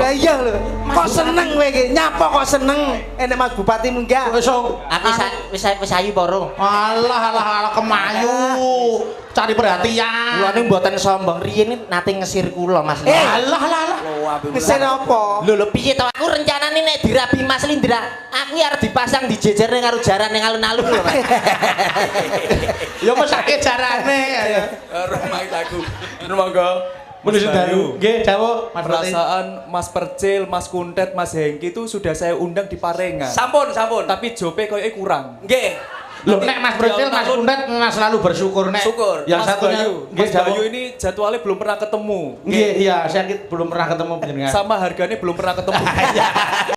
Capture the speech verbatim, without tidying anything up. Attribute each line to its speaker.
Speaker 1: Lah iya lho. Kok seneng kowe iki? Nyapa kok seneng? Enek Mas Bupati munggah.
Speaker 2: Wis
Speaker 3: Aku sa- wis wis ayu poro.
Speaker 2: alah alah alah kemayu. Cari perhatian.
Speaker 3: Lha ning mboten sombong, riyen nate ngesir kula Mas.
Speaker 1: Eh,
Speaker 2: Alah alah alah.
Speaker 1: Kesen apa?
Speaker 3: Lho lho piye to aku rencanane nek dirabi Mas Lindra, aku arep dipasang dijejerne karo jaran ning alun-alun lho Mas.
Speaker 2: Ya mesake jarane.
Speaker 4: Rumah aku. Monggo.
Speaker 2: Menuju daru. Nggih, dawuh Mas Bupati.
Speaker 4: Perasaan Mas Percil, Mas Kuntet, Mas Hengki itu sudah saya undang di Parengan.
Speaker 5: Sampun, sampun.
Speaker 4: Tapi jope kayaknya kurang.
Speaker 5: Nggih.
Speaker 2: Loh, nek Mas Brecil, Mas Kuntet Mas selalu bersyukur nek.
Speaker 5: Syukur.
Speaker 2: Yang
Speaker 4: Mas
Speaker 2: satunya
Speaker 4: Bayu,
Speaker 2: nggih,
Speaker 4: Mas
Speaker 2: dawuh.
Speaker 4: Bayu ini jadwalnya belum pernah ketemu.
Speaker 2: Nggih, iya, saya belum pernah ketemu panjenengan.
Speaker 4: Sama harganya belum pernah ketemu.